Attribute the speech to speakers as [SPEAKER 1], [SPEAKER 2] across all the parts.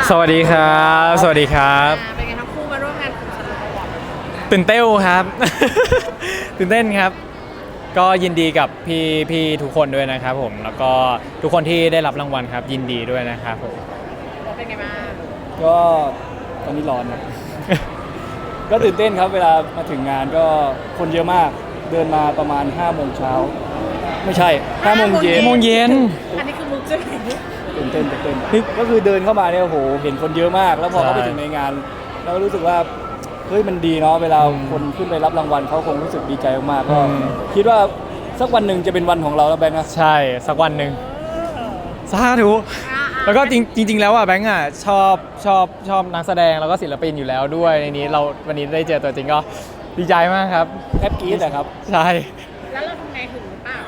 [SPEAKER 1] สวัสดีครับสวัสดีครับ
[SPEAKER 2] เป็นไงทั้งคู่มาร่วมงานกับซันโบว์
[SPEAKER 1] ตื่นเต้นครับ ตื่นเต้นครับก็ยินดีกับพี่ทุกคนด้วยนะครับผมแล้วก็ทุกคนที่ได้รับรางวัลครับยินดีด้วยนะครับผม
[SPEAKER 2] เป็นไงบ้าง
[SPEAKER 3] ก็ตอนนี้ร้อนครับ ก็ตื่นเต้นครับเวลามาถึงงานก็คนเยอะมากเดินมาประมาณ5 โมงเช้าไม่ใช่5 โมงเย็น
[SPEAKER 1] 5 โมงเย็น
[SPEAKER 2] อันนี้คือมุกใช่ไหม
[SPEAKER 3] ตื่นเต้นก็คือเดินเข้ามาเนี่ยโอ้โหเห็นคนเยอะมาก แล้วพอ
[SPEAKER 1] ใช่
[SPEAKER 3] เข้าไปถึงในงานเราก็รู้สึกว่าเฮ้ยมันดีเนาะเวลา
[SPEAKER 1] อืม
[SPEAKER 3] คนขึ้นไปรับรางวัลเขาคงรู้สึกดีใจมากๆก็
[SPEAKER 1] อืม
[SPEAKER 3] คิดว่าสักวันหนึ่งจะเป็นวันของเราแล้วแบงค์นะ
[SPEAKER 1] ใช่สักวันหนึ่งสาธุแล้วก็จริงแล้วอ่ะแบงค์อ่ะชอบนักแสดงแล้วก็ศิลปินอยู่แล้วด้วยในนี้เราวันนี้ได้เจอตัวจริงก็ดีใจมากครับ
[SPEAKER 3] แทบกรี๊ดนะครับ
[SPEAKER 1] ใช่
[SPEAKER 2] แล้วเราทำไงถึงหรือเปล่า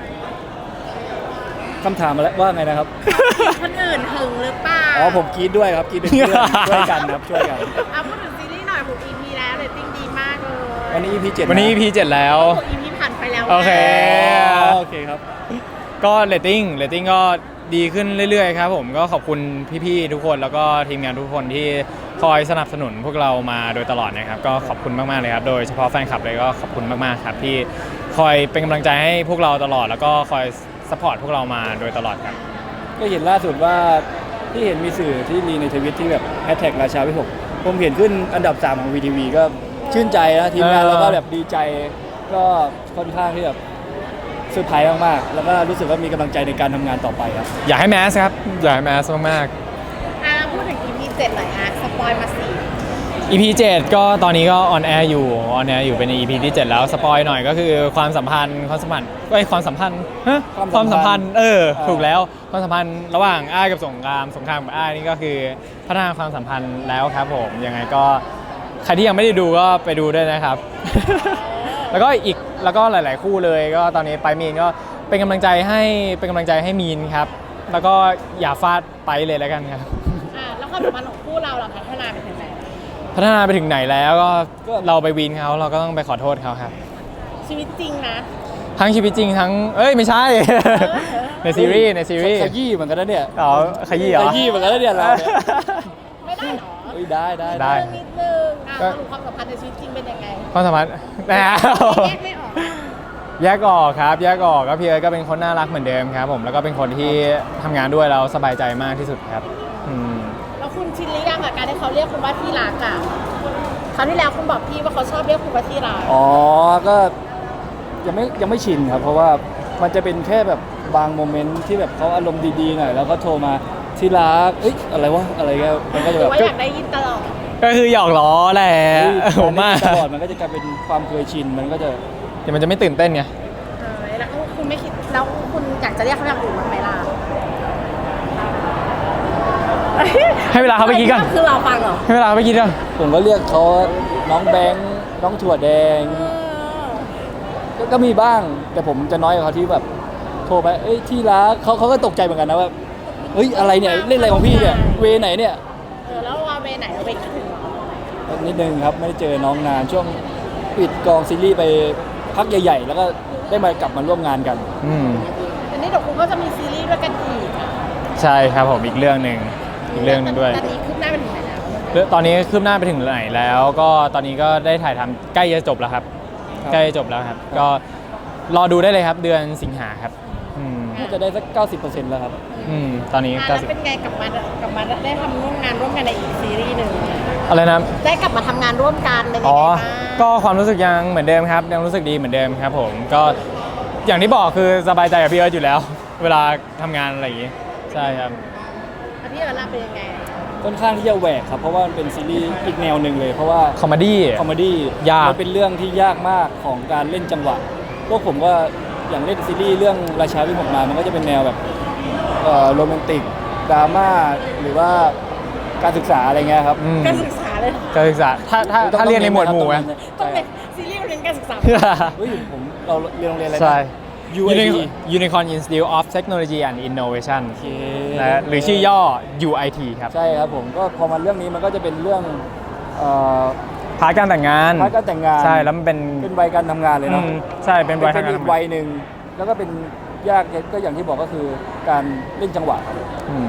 [SPEAKER 3] คำถามมาแล้วว่าไงนะครับ
[SPEAKER 2] คนอื่นถึงหรือเปล่า
[SPEAKER 3] อ๋อผมกรี๊ดด้วยครับกรี๊ดเป็นเพื่อนช่วยกันครับช่วยกัน
[SPEAKER 2] เอาพูดถึงซีรีส์หน่อย6 EP แล้วเรตติ้งดีมากเลย
[SPEAKER 3] วันนี้ EP 7
[SPEAKER 1] วันนี้ EP 7แล้ว
[SPEAKER 2] 6 EP ผ่านไปแล้ว
[SPEAKER 1] โอเค
[SPEAKER 3] โอเคครับ
[SPEAKER 1] ก็เรตติ้งก็ดีขึ้นเรื่อยๆครับผมก็ขอบคุณพี่ๆทุกคนแล้วก็ทีมงานทุกคนที่คอยสนับสนุนพวกเรามาโดยตลอดนะครับก็ขอบคุณมากๆเลยครับโดยเฉพาะแฟนคลับเลยก็ขอบคุณมากๆครับที่คอยเป็นกำลังใจให้พวกเราตลอด แล้วก็คอยซัพพอร์ตพวกเรามาโดยตลอดครับ
[SPEAKER 3] ก็เห็นล่าสุดว่าที่เห็นมีสื่อที่รีในทวิตที่แบบแฮชแท็กราชาวิหกผมเห็นขึ้นอันดับ 3 ของ VTV ก็ชื่นใจนะทีมงาน
[SPEAKER 1] เออ
[SPEAKER 3] เราก็แบบดีใจก็ค่อนข้างที่แบบเซอร์ไพรส์มากๆแล้วก็รู้สึกว่ามีกำลังใจในการทำงานต่อไปครับ
[SPEAKER 1] อยากให้แมสครับอยากให้แมสมาก
[SPEAKER 2] พูดถึง EP 7หน่อยสปอยมาสิ
[SPEAKER 1] ๆ EP 7ก็ตอนนี้ก็ออนแอร์อยู่เป็น EP ที่ 7 แล้วสปอยหน่อยก็คือความสัมพันธ์ฮะความสัมพันธ์ถูกแล้วความสัมพันธ์ระหว่างอ้ายกับสงครามกับอ้ายนี่ก็คือพัฒนาความสัมพันธ์แล้วครับผมยังไงก็ใครที่ยังไม่ได้ดูก็ไปดูด้วยนะครับ แล้วก็หลาย ๆ คู่เลยก็ตอนนี้ไปมีนก็เป็นกำลังใจให้มีนครับแล้วก็อย่าฟาดไปเลยแล้วกันครับ
[SPEAKER 2] แล้วความสัมพันธ์ของคู่เราพัฒนาไปถึงไหน
[SPEAKER 1] พัฒนาไปถึงไหนแล้วก็เราไปวีนเขาเราก็ต้องไปขอโทษเขาครับ
[SPEAKER 2] ชีวิตจริงนะ
[SPEAKER 1] ทั้งชีวิตจริงทั้งไม่ใช่ ในซีรีส์
[SPEAKER 3] ขยี้เหมือนกันนะเนี่ย
[SPEAKER 1] อ๋อขยี้เหรอ
[SPEAKER 3] ขยี้เหมือนกันนะเนี่ยเราเนี่ย
[SPEAKER 2] ไม่ได้หรอ
[SPEAKER 3] เฮ้ยได้
[SPEAKER 1] ได้
[SPEAKER 2] นิดนึงสรุปความสัมพันธ์ในชีวิตจริงเป็นยังไง
[SPEAKER 1] ความสัมพันธ์
[SPEAKER 2] แยกไม่ออก
[SPEAKER 1] แยกออกครับแยกออกก็พี่เอิร์ธก็เป็นคนน่ารักเหมือนเดิมครับผมแล้วก็เป็นคนที่ทำงานด้วยแล้วสบายใจมากที่สุดครับอืม
[SPEAKER 2] แล้วคุณชินหรือยังกับการที่เขาเรียกคุณว่าที่รักอ่ะคราวที่แล้วคุณบอกพี่ว่าเขาชอบเรียกคุณว่าที่รัก
[SPEAKER 3] อ๋อก็ยังไม่ชินครับเพราะว่ามันจะเป็นแค่แบบบางโมเมนต์ที่แบบเขาอารมณ์ดีๆหน่อยแล้วก็โทรมาที่รักเอ้ยอะไรวะอะไรเงี้ยมันก็จะ
[SPEAKER 2] หรื
[SPEAKER 3] แบ
[SPEAKER 2] อบ ว่าอยากได้ยินตลอด
[SPEAKER 1] ก็คือหยอกล้อแหละผมว่า
[SPEAKER 3] ตลอดมันก็จะกลายเป็นความเคยชินมันก็จะ
[SPEAKER 1] เดี๋ยวมันจะไม่ตื่นเต้นไง
[SPEAKER 2] แล้วคุณไม่คิดแล้วคุณอยากจะเรียกเขาอย่างอื่นบ้างไหมล่ะ
[SPEAKER 1] ให้เวลาเขาไปคิดก่อน
[SPEAKER 2] คือเราฟังเหรอ
[SPEAKER 1] ให้เวลาเขาไปคิดก่อน
[SPEAKER 3] ผมก็เรียกเขาน้องแบงค์น้องถั่วแดงก็มีบ้างแต่ผมจะน้อยกว่าเขาที่แบบโทรไปเอ้ยที่รักเขาก็ตกใจเหมือนกันนะว่าเฮ้ยอะไรเนี่ยเล่นอะไรของพี่เนี่ยเวไหนเนี่ย
[SPEAKER 2] แล้วว่าเวไหนเราไปคิดถึงเหรอ
[SPEAKER 3] นิดนึงครับไม่ได้เจอน้องนานช่วงปิดกองซีรีส์ไปพักใหญ่ ๆ แล้วก็ได้มากลับมาร่วมงานกัน
[SPEAKER 1] อืม
[SPEAKER 2] อันนี้เดี๋ยวคุณก็จะมีซีรีส์ด้วยกันอีกอ่ะ
[SPEAKER 1] ใช่ครับผมอีกเรื่องหนึ่งด้วย
[SPEAKER 2] ตอนนี้คืบหน้าไปถึงไหนแล้ว
[SPEAKER 1] ตอนนี้คืบหน้าไปถึงไหนแล้ว ก็ตอนนี้ก็ได้ถ่ายทำใกล้จะจบแล้วครับ
[SPEAKER 3] ครับ
[SPEAKER 1] ใกล้จะจบแล้วครับ ก็รอดูได้เลยครับเดือนสิงหาครับอืม
[SPEAKER 3] น่าจะได้สัก 90% แล้วครับ
[SPEAKER 1] ตอนนี้
[SPEAKER 2] แล้วเป็นไงกลับมาได้ทำร่วมงานร่วมกันในอีกซีรีส์หนึ่ง
[SPEAKER 1] อะไรนะ
[SPEAKER 2] ได้กลับมาทำงานร่วมกันเป็นยัง
[SPEAKER 1] อ๋อ
[SPEAKER 2] ไงบ้าง
[SPEAKER 1] ก็ความรู้สึกยังเหมือนเดิมครับ ยังรู้สึกดีเหมือนเดิมครับผมก็อย่างที่บอกคือสบายใจกับพี่เอิร์ธอยู่แล้ว เวลาทำงานอะไรอย่างงี้ใช่ครับ
[SPEAKER 2] แล้วพี่เอิร์ธล่ะเป็นยังไง
[SPEAKER 3] ค่อนข้างที่จะแหวกครับเพราะว่ามันเป็นซีรีส์อีกแนวหนึ่งเลยเพราะว่า
[SPEAKER 1] คอมเมดี้
[SPEAKER 3] คอมเมดี้
[SPEAKER 1] ยาก
[SPEAKER 3] มันเป็นเรื่องที่ยากมากของการเล่นจังหวะพวกผมก็อย่างเล่นซีรีส์เรื่องราชาวิหกมามันก็จะเป็นแนวแบบโรแมนติกดราม่าหรือว่าการศึกษาอะไรเงี้ยครับ
[SPEAKER 1] อืม
[SPEAKER 2] การศึกษาเลยเหรอ
[SPEAKER 1] การศึกษาถ้าเรียนในหมวดหมู่ไหม
[SPEAKER 2] ต้องเป็นซีรีส์เรียนการศึกษา
[SPEAKER 3] เฮ้ยผมเราเรียนโรงเรียนอะไรนะ
[SPEAKER 1] ใช่
[SPEAKER 3] UIT
[SPEAKER 1] Unicorn Institute of Technology and Innovation
[SPEAKER 3] โอเค
[SPEAKER 1] นะหรือชื่อย่อ UIT ครับ
[SPEAKER 3] ใช่ครับผมก็พอมาเรื่องนี้มันก็จะเป็นเรื่องเอ่อ
[SPEAKER 1] พาร์ทการแต่งงาน
[SPEAKER 3] พาร์ทการแต่งงาน
[SPEAKER 1] ใช่แล้วมันเป็น
[SPEAKER 3] เป็นวัยการทำงานเลยเนาะ
[SPEAKER 1] ใช่เป็นวัย
[SPEAKER 3] เป็
[SPEAKER 1] ทาง
[SPEAKER 3] น
[SPEAKER 1] การ
[SPEAKER 3] อี
[SPEAKER 1] ทำ
[SPEAKER 3] ก
[SPEAKER 1] งาน
[SPEAKER 3] วัยหนึ่งแล้วก็เป็นยากก็อย่างที่บอกก็คือการเล่นจังหวะครับ
[SPEAKER 1] อืม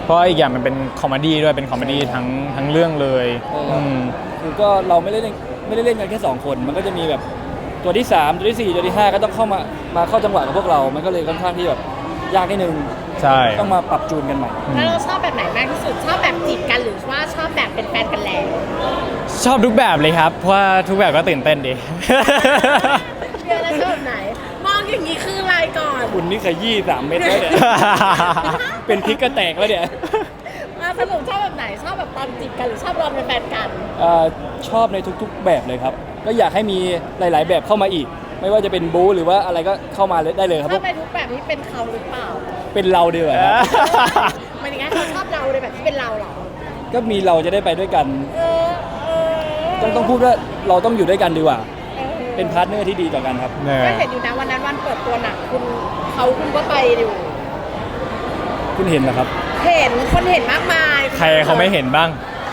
[SPEAKER 1] เพราะอีกอย่างมันเป็นคอมเมดี้ด้วยเป็นคอมเมดี้ทั้งเรื่องเลยม
[SPEAKER 3] คือก็เราไม่ได้เล่นกันแค่2คนมันก็จะมีแบบตัวที่3ตัวที่4ตัวที่5ก็ต้องเข้ามาเข้าจังหวะกับพวกเรามันก็เลยค่อนข้างที่แบบยากนิดนึง
[SPEAKER 1] ใช่
[SPEAKER 3] ต้องมาปรับจูนกันใหม่
[SPEAKER 2] แล้วเราชอบแบบไหนมากที่สุดชอบแบบจีบกันหรือว่าชอบแบบเป็นแฟนกันแล้ว
[SPEAKER 1] ชอบทุกแบบเลยครับเพราะว่าทุกแบบก็ตื่นเต้นดี
[SPEAKER 2] เดี๋ยวแล้วชอบแบบไหน มองอย่างนี้คืออะไรก่อน
[SPEAKER 3] คุณนี่ขยี้3 เม็ดแล้วเนี่ย เป็นพริกก็แตกแล้วเนี่ย
[SPEAKER 2] สรุปชอบแบบไหนชอบแบบตอนจีบกันหรือชอบตอนเป็นแฟนกัน
[SPEAKER 3] ชอบในทุกๆแบบเลยครับ ก็อยากให้มีหลาย ๆ แบบเข้ามาอีก ไม่ว่าจะเป็นบู๊หรือว่าอะไรก็เข้ามาได้เลยครับ
[SPEAKER 2] ชอบไปทุกแบบที่เป็นเขาหรือเปล่า
[SPEAKER 3] เป็นเราดีกว่าครับ
[SPEAKER 2] หมายถึงว่าเขาชอบเราในแบบที่เป็นเราเหรอ
[SPEAKER 3] ก็มีเราจะได้ไปด้วยกัน
[SPEAKER 2] เออเออ
[SPEAKER 3] ต้องพูดว่าเราต้องอยู่ด้วยกันดีกว่า
[SPEAKER 2] เออ
[SPEAKER 3] เป็นพาร์ทเนอร์ที่ดีต่อกันครับ
[SPEAKER 1] เนี่ย
[SPEAKER 2] ก็เห็นอยู่นะวันนั้นวันเปิดตัวหนังคุณก็ไปอยู่
[SPEAKER 3] คุณเห็นเหรอครับ
[SPEAKER 2] เห็นคนเห็นมากมาย
[SPEAKER 1] ใครเขาไม่เห็นบ้าง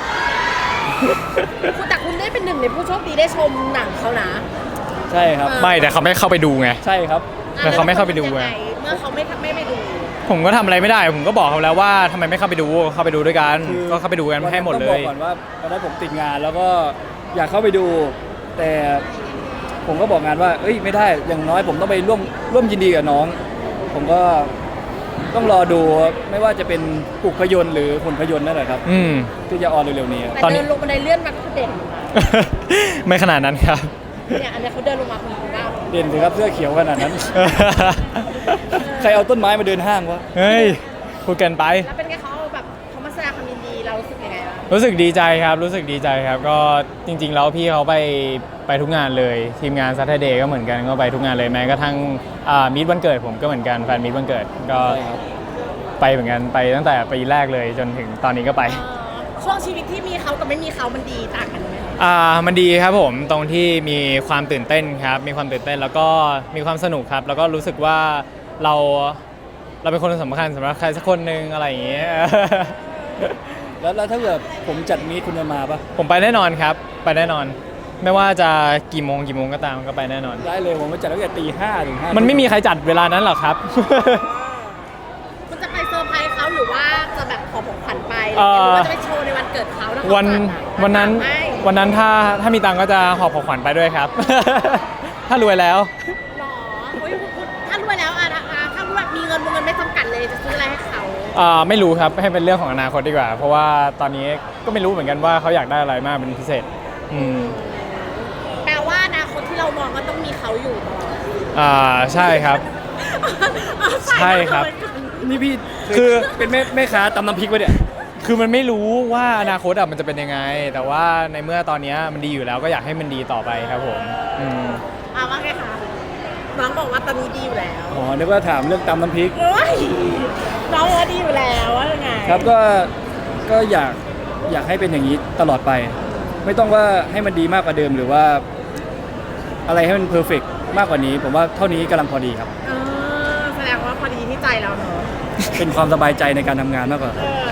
[SPEAKER 2] แต่คุณได้เป็นหนึ่งในผู้โชคดีได้ชมหนังเขานะ
[SPEAKER 3] ใช่ครับ
[SPEAKER 1] ไม่แต่เขาไม่เข้าไปดูไง
[SPEAKER 3] ใช่ครับ
[SPEAKER 1] แต่เขาไม่เข้าไปดู
[SPEAKER 2] ยัง
[SPEAKER 1] ไง
[SPEAKER 2] ไงเมื่อเขาไม่ไปดู
[SPEAKER 1] ผมก็ทำอะไรไม่ได้ ผมก็บอกเขาแล้วว่าทำไมไม่เข้าไปดูเข้าไปดูด้วยกันก็เข้าไปดูกันให้หมดเล
[SPEAKER 3] ต้องบอย กก่อนว่าตอนนั้นผมติดงานแล้วก็อยากเข้าไปดู แต่ผมก็บอกงานว่าเอ้ยไม่ได้อย่างน้อยผมต้องไปร่วมยินดีกับน้อง ผมก็ต้องรอดูไม่ว่าจะเป็นปลุกพยนต์หรือหุ่นพยนต์นั่นแหละครับ
[SPEAKER 1] อืม
[SPEAKER 3] ที่จะออนเร็วๆนี้
[SPEAKER 2] แต่
[SPEAKER 1] ตอนนี้
[SPEAKER 2] เดินลงบันไดเลื่อนมาคือเด่น
[SPEAKER 1] ไม่ขนาดนั้นครับ
[SPEAKER 2] เนี่ยอันนี้เขาเดินลงมาคุณดูว่า
[SPEAKER 3] เด่นสิครับเสื้อเขียวขนาดนั้น ใครเอาต้นไม้มาเดินห้างวะ
[SPEAKER 1] เฮ้ยพูดเกินไป
[SPEAKER 2] แล้วเป็นไงเขาแบบเขามาแสดงความยินดีเรารู้สึกยังไงบ้าง
[SPEAKER 1] รู้สึกดีใจครับรู้สึกดีใจครับ ก็จริง ๆ แล้วพี่เขาไปทุกงานเลย ทีมงาน Saturday ก็เหมือนกันก็ไปทุกงานเลยแม้กระทั่งมีตวันเกิดผมก็เหมือนกันแฟนมีตวันเกิดก็
[SPEAKER 3] ใช่ครับ
[SPEAKER 1] ไปเหมือนกันไปตั้งแต่ปีแรกเลยจนถึงตอนนี้ก็ไป
[SPEAKER 2] ช่วงชีวิตที่มีเขากับไม่มีเขามันดีต่างกันไหม
[SPEAKER 1] มันดีครับผมตรงที่มีความตื่นเต้นครับมีความตื่นเต้นแล้วก็มีความสนุกครับ แล้วก็รู้สึกว่าเราเป็นคนสำคัญสำหรับใครสักคนหนึ่งอะไรอย่างเงี้ย
[SPEAKER 3] แล้วถ้าเกิดผมจัดมีตคุณจะมาปะ
[SPEAKER 1] ผมไปแน่นอนครับไปแน่นอน ไม่ว่าจะกี่โมงก็ตามก็ไปแน่นอน
[SPEAKER 3] ได้เลยผมมาจัดตั้งแต่ตีห้าถึงห้า
[SPEAKER 1] มันไม่มีใครจัดเวลานั้นหรอกครับ
[SPEAKER 2] คุณจะไปเซอร์ไพรส์เขาหรือว่าจะแบบขอของขวัญไปห
[SPEAKER 1] เอ่
[SPEAKER 2] รือ
[SPEAKER 1] อ
[SPEAKER 2] ว่าจะไปโชว์ในวันเกิดเขาแล้วเขา
[SPEAKER 1] วัน
[SPEAKER 2] จัดอะ
[SPEAKER 1] วันนั้นถ้ามีตังค์ก็จะหอบของขวัญไปด้วยครับ ถ้ารวยแล้ว
[SPEAKER 2] หรอเฮ้ยคุณถ้ารวยแล้วถ้ารวยมีเงินไม่จำกัดเลยจะซื้ออะไรให้เขา
[SPEAKER 1] ไม่รู้ครับให้เป็นเรื่องของอนาคตดีกว่า เพราะว่าตอนนี้ก็ไม่รู้เหมือนกันว่าเขาอยากได้อะไรมากเป็นพิเศษอืม
[SPEAKER 2] แปลว่าอนาคตที่เรามองก็ต้องมีเขาอยู่ตลอด
[SPEAKER 1] ใช่ครับ ใช่ครับ
[SPEAKER 3] นี่พี่
[SPEAKER 1] คือ
[SPEAKER 3] เป็นแม่ค้าตำน้ำพริกปะเนี่ย
[SPEAKER 1] คือมันไม่รู้ว่าอนาคตมันจะเป็นยังไง แต่ว่าในเมื่อตอนนี้มันดีอยู่แล้วก็อยากให้มันดีต่อไปครับผมอืม
[SPEAKER 2] ว่าไงคะน้องบอกว่าตอนนี้ดีอยู่แล้ว
[SPEAKER 3] อ๋อนึกว่าถามเรื่องตำน้ำพริก
[SPEAKER 2] เอ้ยน้องบอกว่าดีอยู่แล้วว่ายังไง
[SPEAKER 3] ครับก็อยากให้เป็นอย่างนี้ตลอดไป ไม่ต้องว่าให้มันดีมากกว่าเดิมหรือว่า อะไรให้มันเพอร์เฟกมากกว่านี้ ผมว่าเท่านี้กำลังพอดีครับ
[SPEAKER 2] แสดงว่าพอดีที่ใจเราเนอะ
[SPEAKER 3] เป็นความสบายใจในการทำงานมากกว่า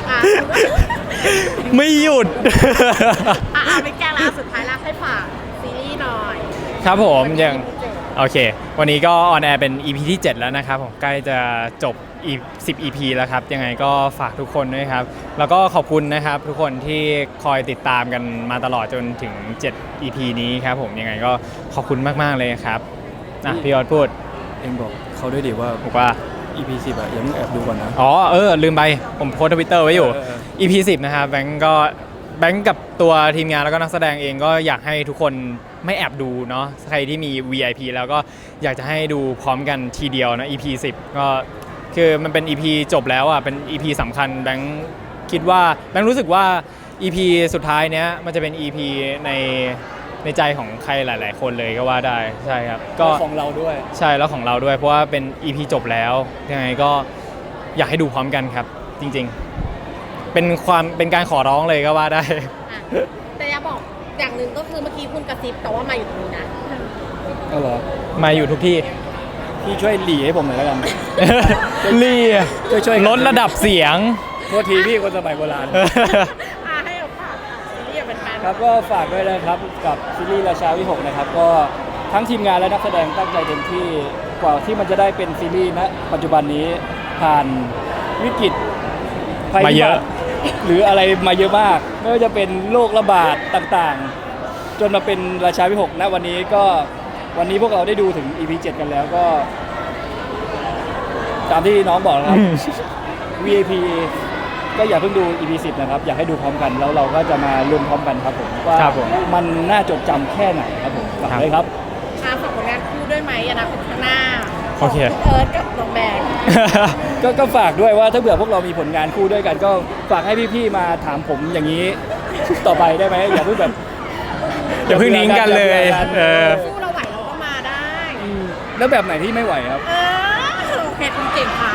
[SPEAKER 1] ไม่หยุด
[SPEAKER 2] ไม่แก้ละสุดท้ายแล้วให้ฝากซีรีส์หน่อย
[SPEAKER 1] ครับผมอย่างโอเค วันนี้ก็ออนแอร์เป็น EP ที่ 7 แล้วนะครับผมใกล้จะจบอีก10 EP แล้วครับยังไงก็ฝากทุกคนด้วยครับ แล้วก็ขอบคุณนะครับทุกคนที่คอยติดตามกันมาตลอดจนถึง 7 EP นี้ครับผมยังไงก็ขอบคุณมากๆเลยครับพี่ยอดพูด
[SPEAKER 3] เองบอกเขาด้วยดิว่า
[SPEAKER 1] บอกว่า
[SPEAKER 3] EP 10อะอย่าเพิ่งแอบดูก่อนนะ
[SPEAKER 1] อ๋อลืมไปผมโพสทวิตเตอร์ไว้อยู่
[SPEAKER 3] เออ
[SPEAKER 1] EP 10 นะครับแบงก์กับตัวทีมงานแล้วก็นักแสดงเองก็อยากให้ทุกคนไม่แอบดูเนาะใครที่มี VIP แล้วก็อยากจะให้ดูพร้อมกันทีเดียวนะ EP 10 ก็คือมันเป็น EP จบแล้วอ่ะเป็น EP สำคัญแบงก์คิดว่าแบงก์รู้สึกว่า EP สุดท้ายเนี้ยมันจะเป็น EP ในใจของใครหลาย ๆ คนเลยก็ว่าได้ใช่ครับก็
[SPEAKER 3] ของเราด้วย
[SPEAKER 1] ใช่แล้วของเราด้วยเพราะว่าเป็น EP จบแล้วยังไงก็อยากให้ดูพร้อมกันครับ จริงๆ เป็นการขอร้องเลยก็ว่าได้
[SPEAKER 2] แต่อยากบอกอย่างหนึ่งก็คือเมื่อกี้คุณกระซิบแต่ว่ามาอยู่ตรงนี้นะ
[SPEAKER 3] ก็เหรอ
[SPEAKER 1] มาอยู่ทุกที่
[SPEAKER 3] พี่ช่วยหลีให้ผมหน่อยแล้วกัน
[SPEAKER 1] ลี่
[SPEAKER 3] ช่วยๆกัน
[SPEAKER 1] ลดระดับเสียง
[SPEAKER 3] โทษทีพี่คนสมัยโบราณ
[SPEAKER 2] ให้เอาฝากซีรีส์เป็นแฟน
[SPEAKER 3] ครับก็ฝากด้วยนะครับกับซีรีส์ราชาวิหกนะครับก็ทั้งทีมงานและนักแสดงตั้งใจเต็มที่กว่าที่มันจะได้เป็นซีรีส์ณปัจจุบันนี้ผ่านวิกฤตภัย
[SPEAKER 1] มา
[SPEAKER 3] พิ
[SPEAKER 1] เย
[SPEAKER 3] บั
[SPEAKER 1] อะ
[SPEAKER 3] ติหรืออะไรมาเยอะมาก ไม่ว่าจะเป็นโรคระบาดต่างๆ จนมาเป็นราชาวิหกณวันนี้ก็วันนี้พวกเราได้ดูถึง EP 7 กันแล้วก็ ตามที่น้องบอกนะครับ VIP ก็อย่าเพิ่งดู EP 10 นะครับ อยากให้ดูพร้อมกันแล้วเราก็จะมาลุ้นพร้อมกันครับผมว่า
[SPEAKER 1] ครับผม
[SPEAKER 3] มันน่าจดจำแค่ไหนครับผมฝากเลยครับ
[SPEAKER 2] ฝากผลงานคู่ด้วยไหมอนาคตข้างหน้า
[SPEAKER 1] โอเค
[SPEAKER 2] ของณเอิร์ธกับน้องแบงค์
[SPEAKER 3] ก็ฝากด้วยว่าถ้าเผื่อพวกเรามีผลงานคู่ด้วยกัน ก็ฝากให้พี่ๆมาถามผมอย่างนี้ ต่อไปได้ไหมอย่าเพิ่งแบบ
[SPEAKER 1] อย่าเพิ่งทิ้งกันเลย
[SPEAKER 3] อาบื่
[SPEAKER 1] เออ
[SPEAKER 2] คู่เราไหวเราก็มาได้
[SPEAKER 3] แล้วแบบไหนที่ไม่ไหวครับ
[SPEAKER 2] โอเคคุณเก่งค่ะ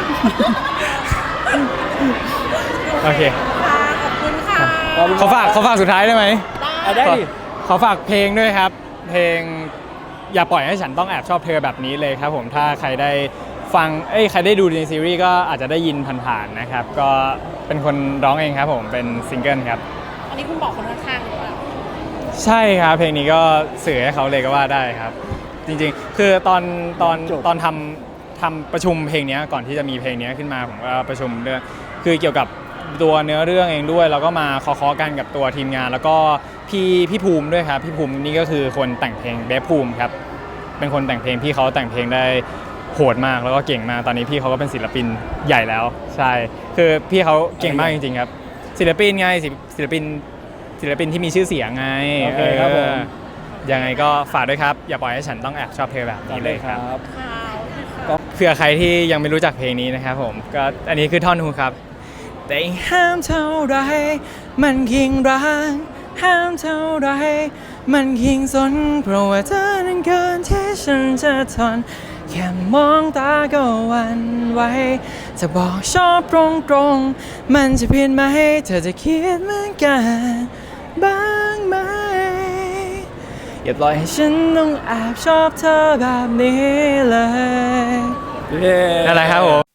[SPEAKER 1] โอเค
[SPEAKER 2] ค่ะขอบคุณค่ะ
[SPEAKER 1] เขาฝากสุดท้ายได้ไหม
[SPEAKER 3] อ่ะได้ดิ
[SPEAKER 1] ขอฝากเพลงด้วยครับ เพลงอย่าปล่อยให้ฉันต้องแอบชอบเธอแบบนี้เลยครับผมถ้าใครได้ฟังใครได้ดูในซีรีส์ก็อาจจะได้ยินผ่านๆนะครับ ก็เป็นคนร้องเองครับผมเป็นซิงเกิลครับ
[SPEAKER 2] อันนี้คุณบอกคนข้างๆหรือเปล่า
[SPEAKER 1] ใช่ครับเพลงนี้ก็สื่อให้เขาเลยก็ว่าได้ครับ จริงๆ คือตอน
[SPEAKER 3] จบ
[SPEAKER 1] ทำประชุมเพลงนี้ก่อนที่จะมีเพลงนี้ขึ้นมาผมก็ประชุมเรื่องคือเกี่ยวกับตัวเนื้อเรื่องเองด้วยแล้วก็มาเคาะกันกับตัวทีมงาน แล้วก็พี่ภูมิด้วยครับพี่ภูมินี่ก็คือคนแต่งเพลงเบฟภูมิครับเป็นคนแต่งเพลงพี่เขาแต่งเพลงได้โหดมากแล้วก็เก่งมากตอนนี้พี่เขาก็เป็นศิลปินใหญ่แล้วใช่คือพี่เขาเก่งมากจริงๆครับศิลปินไงศิลปินที่มีชื่อเสียงไง
[SPEAKER 3] โอเคครับผม
[SPEAKER 1] ยังไงก็ฝากด้วยครับ อย่าปล่อยให้ฉันต้องแอบชอบเธอแบบนี้เลยครับ
[SPEAKER 2] ค่ะโอเคค่ะ
[SPEAKER 3] ก็
[SPEAKER 1] เผื่อใครที่ยังไม่รู้จักเพลงนี้นะครับผมก็อันนี้คือท่อนฮุกครับแต่ห้ามเท่าไรมันยิ่งรักห้ามเท่าไรมันยิ่งสนเพราะว่าเธอนั้นเกินที่ฉันจะทนแค่มองตาก็หวันไหวจะบอกชอบตรงๆมันจะเพี้ยนไหมเธอจะคิดเหมือนกันบ้างไหมอย่าปล่อยให้ฉันต้องแอบชอบเธอแบบนี้เลย
[SPEAKER 3] เย้
[SPEAKER 1] นั่นแหละครับผม